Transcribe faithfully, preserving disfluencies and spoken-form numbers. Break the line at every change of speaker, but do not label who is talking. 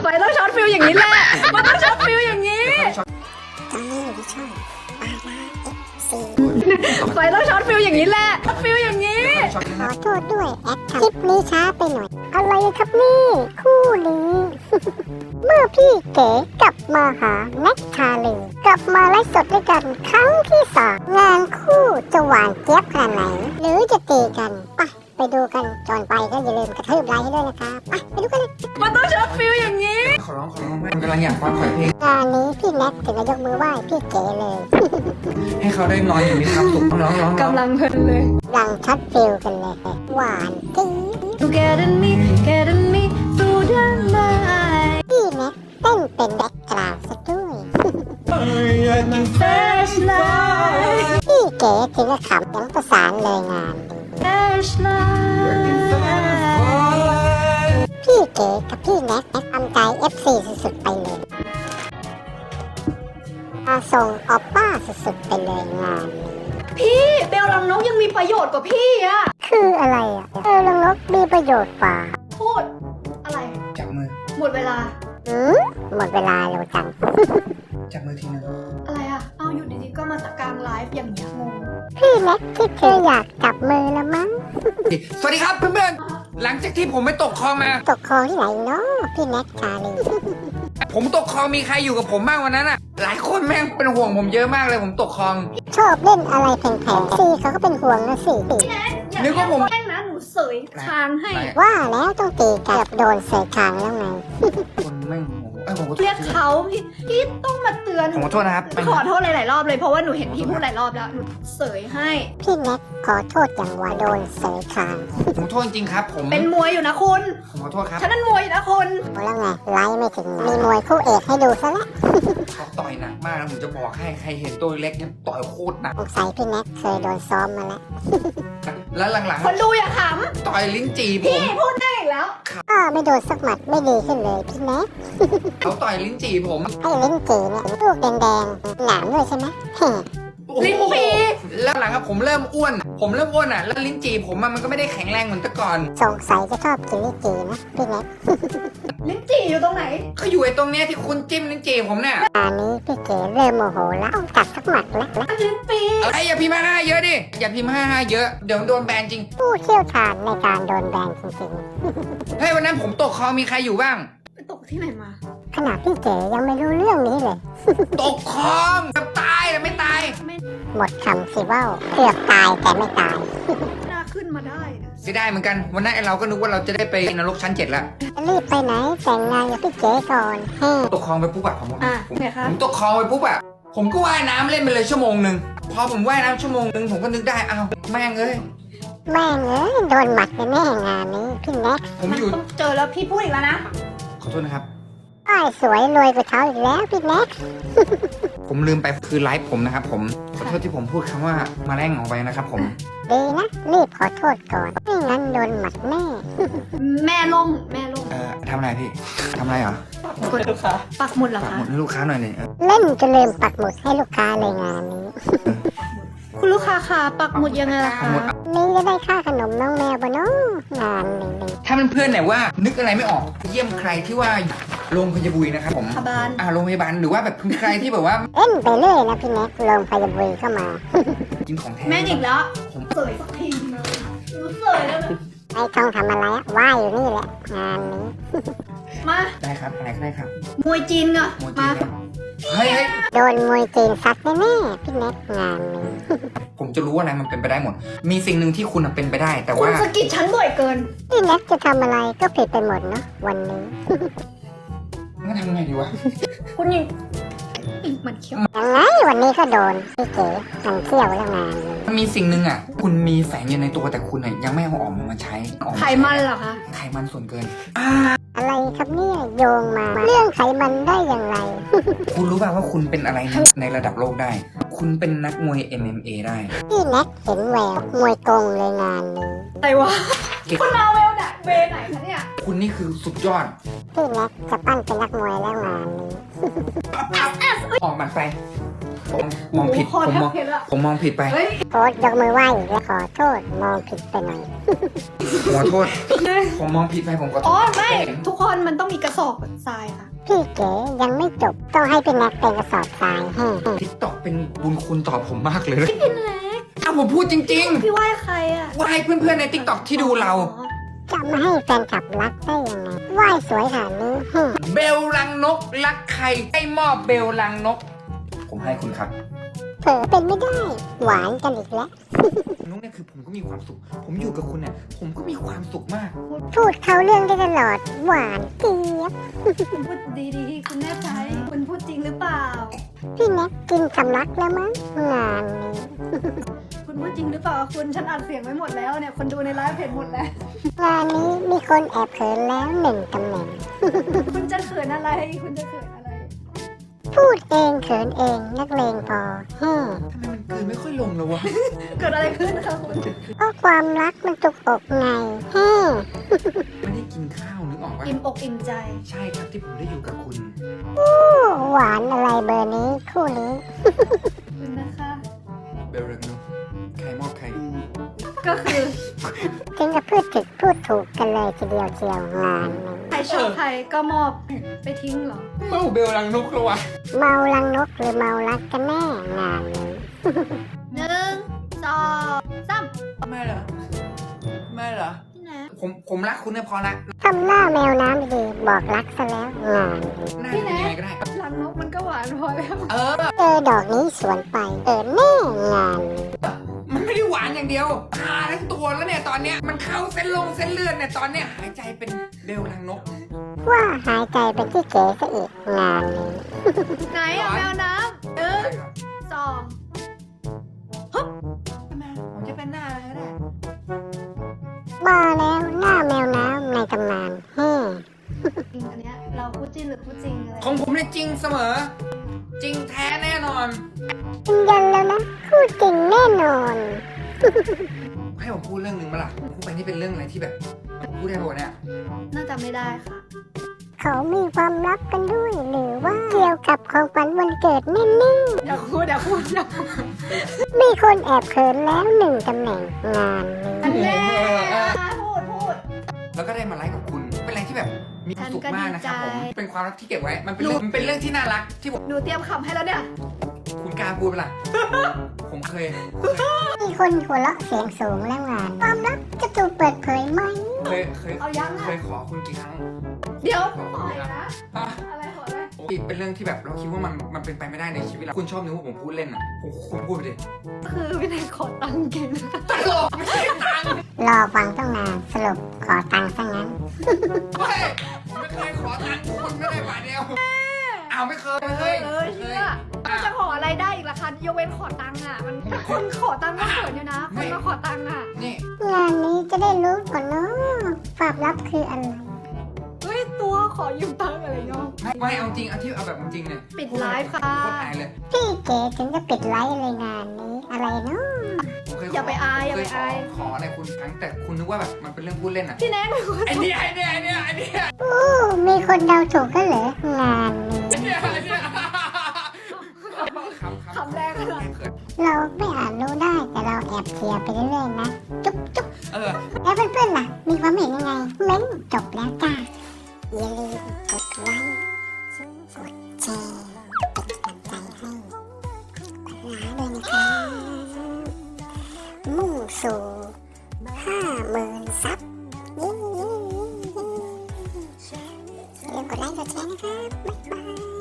ไฟต้องช็อตฟิลอย่างนี้แหละมันต้องช็อตฟิลอย่างนี้
ตอนนี้อยู่ที่ช่องปาราเอฟซี
ไฟต้องช็อตฟิลอย่างนี้แหละช็อตฟิลอย่างนี้
ขอโทษด้วยแอดคลิปนี้ช้าไปหน่อย อะไรครับนี่คู่นี้ เมื่อพี่เก๋กลับมาหาแน็กชาลีกลับมาไลฟ์สดด้วยกันครั้งที่สองงานคู่จะหวานเจี๊ยบขนาดไหน หรือจะตีกันไปไปดูกันจอนไปก็อย่าลืมกระทืบไลค์ให้ด้วยนะคะไปไปดูกันเลย
มันต้องช็อตฟิลอย่างนี้
ขอร้องขอร้องแม่กำลังอยากฟังขอเพลง
งานนี้พี่แน็กถึงจะยกมือไหว้พี่เก๋เลย
ให้เขาได้นอนอย่างมีความสุขร้องร้องร้อง
กำลังเพลินเลย
ดังชัดฟิลกันเลย หวานจี๊ด
Get me Get me through the night
พี่แน็กเต้นเป็นแบ็คกราวด์ซะด้วย
Flashlight
พี่เก๋ถึงกับขำยังประสานเลยงานดี
Flashlight
พี่เก๋กับพี่แน็กทำใจ เอฟ ซี สุดๆไปเลยมาส่งออปป้าสุดๆไปเลยงานนี้
พี่เบลลังนกยังมีประโยชน์กว่าพี่อะ
คืออะไรอ่ะเออลังนกมีประโยชน์กว่า
พูดอะไร
จับมือ
หมดเวลา
หืมหมดเวลาเร็วจัง
จับมือทีนึง
อะไรอะเอาอยู่ดีๆก็มาตะกลางไลฟ์อย่างเงี้ยงง
พี่แน็กที่เธออยากจับมือแล้วมั้ง
สวัสดีครับเพื่อนๆหลังจากที่ผมไปตกคลองมา
ตกคลองที่ไหนเนาะพี่แน็กชาลี
ผมตกคลองมีใครอยู่กับผมบ้างวันนั้นอ่ะ หลายคนแม่งเป็นห่วงผมเยอะมากเลยผมตกคลอง
ชอบเล่นอะไรแพงๆซีเขาก็เป็นห่วงนะสิ
นึกว่าผม
แกล้งนะหนูเสยคางให้
ว่าแล้วต้องตีกับโดนเสยคางแล้วไง
คนแม่งโอ้โหเอ้ยผมขอโทษ
เรียกเขาพี่พี่ต้องมาเตือน
ผมขอโทษนะครับ
ขอโทษหลายๆรอบเลยเพราะว่าหนูเห็นพี่พูดหลายรอบแล้วหนูเสยให้
พี่แน็กขอโทษอย่างว่าโดนเสยคาง
ผมขอโทษจริงๆครับ ผม
เป็นมวยอยู่นะคุณ
ผมขอโทษครับ
ฉันนั่นมวยอยู่นะคุณ
แล้วไงไลฟ์ไม่ถึงมีมวยคู่เอกให้ดูซะแล้ว
เขาต่อยหนักมากนะผมจะบอกให้ใครเห็นตัวเล็กเนี่ยต่อยโคตรหนัก
สงสัยพี่แน็กเคยโดนซ้อมมาแล้ว
แล้วหลัง
คนดูอย่าข
ๆต่อยลิ้นจี่
ำ
ผ
พี่
ม
พูดได้อีกแล้ว
ก็ไม่โดนสักหมัดไม่ดีขึ้นเลยพี่แน็ก
เขาต่อยลิ้นจี่ผม
ให้ลิ้นจีเนี่ยลูกแดงๆหนามด้วยใช่ไหมแฮ่
ลิ้นปี
แล้วหลังอะผมเริ่มอ้วน ผมเริ่มอ้วนอ่ะแล้วลิ้นจี่ผมอะมันก็ไม่ได้แข็งแรงเหมือนแต่ก่อน
สงสัยจะชอบกินลิ้นจีนะพี่แน็ก
ลิ้นจี่อยู่ตรงไหน
เขาอยู่ไอ้ตรงเนี้ยที่คุณจิ้มลิ้นจี่ผมเนี่ย
ตอนนี้พี่เก๋เริ่มโมโหแล้วต้องกัดสักหมัดแล้วนะ
ลิ้นปี
อะไรอย่าพิมพ์ห้าห้าเยอะดิ อย่าพิมพ์ห้าห้าเยอะ เดี๋ยวโดนแบนจริง
ผู้เชี่ยวชาญในการโดนแบนจริง
เฮ้ยวันนั้นผมตกคลองมีใครอยู่บ้าง
ไปตกที่ไหนมา
ๆขนาดพี่เก๋ยังไม่รู้เรื่องนี้เลย
ตกคลองแบบตายแต่ไม่ตาย
หมดคำสิว่าวเกือบตายแต่ไม่ตาย
น่าขึ้นมาได้
เสียดายเหมือนกัน วันนั้นไอ้เราก็นึกว่าเราจะได้ไปนรกชั้นเจ็ดแล้ว
รีบไปไหนแต่งงานกับพี่เก๋ก่อนแฮ่
ตกคลองไปปุ๊บอะผม
อ่ะ
ผม
ไงคะ
ผมตกคลองไปปุ๊บอะผมก็ว่ายน้ำเล่นไปเลยชั่วโมงหนึ่งพอผมว่ายน้ำชั่วโมงหนึ่งผมก็นึกได้อ้าวแม่งเอ้ย
แม่งเอ้ยโดนหมัดแน่ๆงานนี้พี่แน็ก
ผม
มัน
อยู่
ต้องเจอแล้วพี่พูดอีกแล้วนะ
ขอโทษนะครับ
ป้ายสวยรวยกว่าเขาอีกแล้วพี่แน็ก
ผมลืมไปคือไลฟ์ผมนะครับผม ขอโทษที่ผมพูดคำว่ามาแรงออกไปนะครับผม
ดีนะรีบขอโทษก่อนไม่งั้นโดนหมัดแน่
แม่ล่มแม่ล่ม
เอ่อทำอะไรพี่ทำอะไรเหรอ
ปักหมุดลูกค้าปักหมุดเหรอ
ฝาก
คะ
หมดให้ลูกค้าหน่อยหนึ่ง
เล่นจนลืมปักหมุดให้ลูกค้าเลยงานนี้
คุณลูกค้าคะปักหมุดยังไงล่ะคะ
นี่จะได้ค่าขนมน้องแมวปะเนาะงานนี้
ถ้าเพื่อนๆเนี่ยว่านึกอะไรไม่ออกเยี่ยมใครที่ว่าโรงพยาบาลนะครับผม
พยาบาล
อ่าโรงพยาบาลหรือว่าแบบใครที่แบบว่า
เล่นไปเรื่อยนะพี่แน็กลงพยาบาลเข้ามา
กินของแท้
แม่งอีกแล้ว
ผม
เสยสักทีนึงหนูเสยแล้วนะ
ไอ้ต้องทำอะไรอะว่ายอยู่นี่แหละงานนี้
มา
ได้ครับอะไรก็ได้ครับ
มวยจีนก่อน
โมจิ
มา
ครับเฮ้ยเฮ้ย
โดนมวยจีนซัดแน่ๆพี่แน็กงานนี้
ผมจะรู้ว่าอะไรมันเป็นไปได้หมด มีสิ่งหนึ่งที่คุณอะเป็นไปได้ แต่
คุณ
ว่า
สะกิดฉันบ่อยเกิน
พี่แน็กจะทำอะไรก็ผิดไปหมดเนาะวันนี้
งั้นทำไงดีวะ
คุณยิงอีกมันเขี้ยว
ยังไงวันนี้ก็โดนพี่เก๋มันเที่ยวแล้วงานนี้
มันมีสิ่งหนึ่งอ่ะ คุณมีแฝงอยู่ในตัวแต่คุณอ่ะยังไม่เอาออกมาใช้ออกา
ไข
ใช้
มันเหรอคะ
ไขมันส่วนเกิน
อะไรครับเนี่ยโยงมาเรื่องไขมันได้อย่างไร
คุณรู้ป่าวว่าคุณเป็นอะไรในในระดับโลกได้ คุณเป็นนักมวย เอ็ม เอ็ม เอ ได้
พี่แน็กเห็นแววมวยกงเลยงานนี้
อะไรวะ
เก็บ
คุณมาเวลไหนเวไหนคะเนี่ย
คุณนี่คือสุดยอด
พี่แน็กจะปั้นเป็นนักมวยแล้วงานนี้
ออกหมัดไปผมมองผิด
โอ้
ผม
โห
มอง
คอแทบเพชรละ
ผมมองผิดไป
เฮ้ย
โพสต์ยกมือไหว้และขอโทษมองผิดไปหน่อย
ขอโทษ ผมมองผิดไปผมขอโท
อ๋อ
ษ
ไม่ ทุกคนมันต้องมีกระสอบทรายค่ะ
พี่เก๋ยังไม่จบต้องให้พี่แน็กเป็นกระสอบทรายให้
ทิกตอกเป็นบุญคุณต่อผมมากเลยนะ
พี่แน็ก
อ้าวผมพูดจริง
พี่ไหว้ใครอ่ะ
ๆ ว่าให้เพื่อนๆในทิกตอกที่ดูเรา
อ๋อ
จะไม่ให้แฟนคลับรักได้ยังไงไหว้สวยขนาดนี้ฮึ
เบลลังนกรักใครให้มอบเบลลังนก ผมให้คุณครับ
เผลอเป็นไม่ได้ หวานกันอีกแล้ว
นุ๊กเนี่ยคือผมก็มีความสุข ผมอยู่กับคุณเนี่ยผมก็มีความสุขมาก
พูดเขาเรื่องได้ตลอดหวานเจี๊ยบ
คุณพูดดีๆ คุณแน่ใจ คุณพูดจริงหรือเปล่า
พี่แน็กกินสำลักแล้วมั้งงานนี้
คุณพูดจริงหรือเปล่า คุณฉันอัดเสียงไว้หมดแล้วเนี่ย คนดูในไลฟ์เห็นหมดแล้ว
งานนี้มีคนแอบเขินแล้วหนึ่งตำแหน่ง
คุณจะเขินอะไร คุณจะเขินอะไร
พูดเองเขินเองนักเลงพอฮึ
ทำไมมันกลืนไม่ค่อยลงเลยวะ
เกิดอะไรขึ้นคะคุณ
เพราะความรักมันจุกอกไงฮึ
ไม่ได้กินข้าวนึกออกปะ
อิ่มอกอิ่มใจ
ใช่ครับที่ผมได้อยู่กับคุณ
หวานอะไรเบอร์นี้คู่นี้
คุณนะคะ
เบลลังนกใครมอบใคร
ก็คือ
ถึงกับพูดถึกพูดถูกกันเลยทีเดียวเชียวงานนี้
ใครชอบใครก็มอบไปทิ้งเหรอ
เมาเบลลังนกแล้ววะ
เมาลังนกหรือเมารักกันแน่งานนี้
หนึ่งสองสาม
ไม่เหรอไม่เหรอ
พี่แน็ก
ผมผมรักคุณเนี่ยพอละ
ทำหน้าแมวน้ำดีๆบอกรักซะแล้วงานนี้
หน้าเป็นยังไงก็ได้
รังนกมันก็หวานพอแล้ว
เออ
เจอดอกนี้สวนไปเออแน่งานนี้
มันไม่ได้หวานอย่างเดียวชาทั้งตัวแล้วเนี่ยตอนเนี้ยมันเข้าเส้นลงเส้นเลือดเนี่ยตอนเนี้ยหายใจเป็นเบลลังนก
ว่าหายใจเป็นที่เก๋ซะอีกงานนี้
ไหนอะแมวน้ำหนึ่งสอง
ทำไมผมจะเป็นหน้าอะไรก็ได้
มาแล้วหน้าแมวน้ำในตำนานเฮ้
จริงอันเนี้ยเราพูดจริงหรือพูดจริงอะไร
ของผมเนี่ยจริงเสมอ จริงแท้แน่นอน
ยืนยันแล้วนะคู่จริงแน่นอน
ให้ผมพูดเรื่องหนึ่งมาล่ะผมพูดไปนี่เป็นเรื่องอะไรที่แบบพูดได้ปะวะเนี่ย
น่าจะไม่ได้ค่ะ
เขามีความลับกันด้วยหรือว่าเกี่ยวกับของขวัญวันเกิดแน่
อย่าพูดอย่าพูดอย่าพูด
ๆมีคนแอบเขินแล้วหนึ่งตำแหน่งงานนี้
อันแน่พูดพูด
แล้วก็ได้มาไลฟ์กับคุณ เป็นอะไรที่แบบมีความสุขมากนะครับผม
ฉันก็ดีใจ
เป็นความรักที่เก็บไว้ มันเป็นเรื่องมันเป็นเรื่องที่น่ารักที่ผม
หนูเตรียมคำให้แล้วเนี่ย
คุณกล้าพูดปะล่ะ ผมเคย
มีคนหัวเราะเสียงสูงแล้วงาน ความลับจะถูกเปิดเผยไหม
เคย เคย
เอายัง
เค
อะ
ยขอคุณกี่ครั้ง
เดี๋ยวปล่อยนะ
อ่ะ
อะไรขอได้
เป็นเรื่องที่แบบเราคิดว่ามันมันเป็นไปไม่ได้ในชีวิตเรา คุณชอบนึกว่าผมพูดเล่นอ่ะผมคุณพูดไปดิ
คือพี่แนนขอตังค์เก่ง
ตลกไม่ใช่ตังค์
รอฟังต้องนานสรุปขอตังค์ซะงั้น
เฮ้ยผมไม่เคยขอตังค์คุณไม่ได้บาทเดียวอ้าวไม่เคย
เอ
ไม่เค
อย เออเชื่อ
อ่ะ
มันจะขออะไรได้อีกล่ะคะยกเว้นขอตังค์อ่ะ มันคนขอตังค์ก็เขินอยู่นะ คนมาขอตังค์อ่ะ
นี่
งานนี้จะได้รู้ก่อนเนาะความลับคืออะไร
เฮ้ยตัวขอยืมตังค์อะไรเนาะ
ไม่ไม่เอาจริงเอาที่เอาแบบจริงเนี่ย
ปิดไลฟ์ค่ะ
โคตรอายเลย
พี่เก๋ถึงจะปิดไลฟ์เลยงานนี้อะไรเนาะ
ผมเคยข
อย่าไปอายอย่า
เค
ไป
ยขอ
อาย
ขออะไรคุณครั้งแต่คุณนึกว่าแบบมันเป็นเรื่องพูดเล่นอ่ะ
พี่แนนเป็นคน
ไอ้เนี่ยไอ้เนี่ยไอ้เนี่ยไอ้เนี่ย
โอ้มีคนเดาถูกก็เหรองานนี้
ไอ้เนี่ยไอ้เนี่ยคำคำ
คำแรกขนาด
เขิน
เราไม่อาจรู้ได้แต่เราแอบเชียร์ไปเรื่อยๆนะจุ๊บจุ๊บ
เออ
แล้วเพื่อนๆล่ะ มีความเห็นยังไงเม้นจบแล้วจ้าอย่าลืมกดไลค์กดแชร์เป็นกำลังใจให้ปัญหาด้วยนะครับมุ่งสู่ห้าหมื่นซับเย้ๆๆอย่าลืมกดไลค์กดแชร์นะครับบ๊ายบาย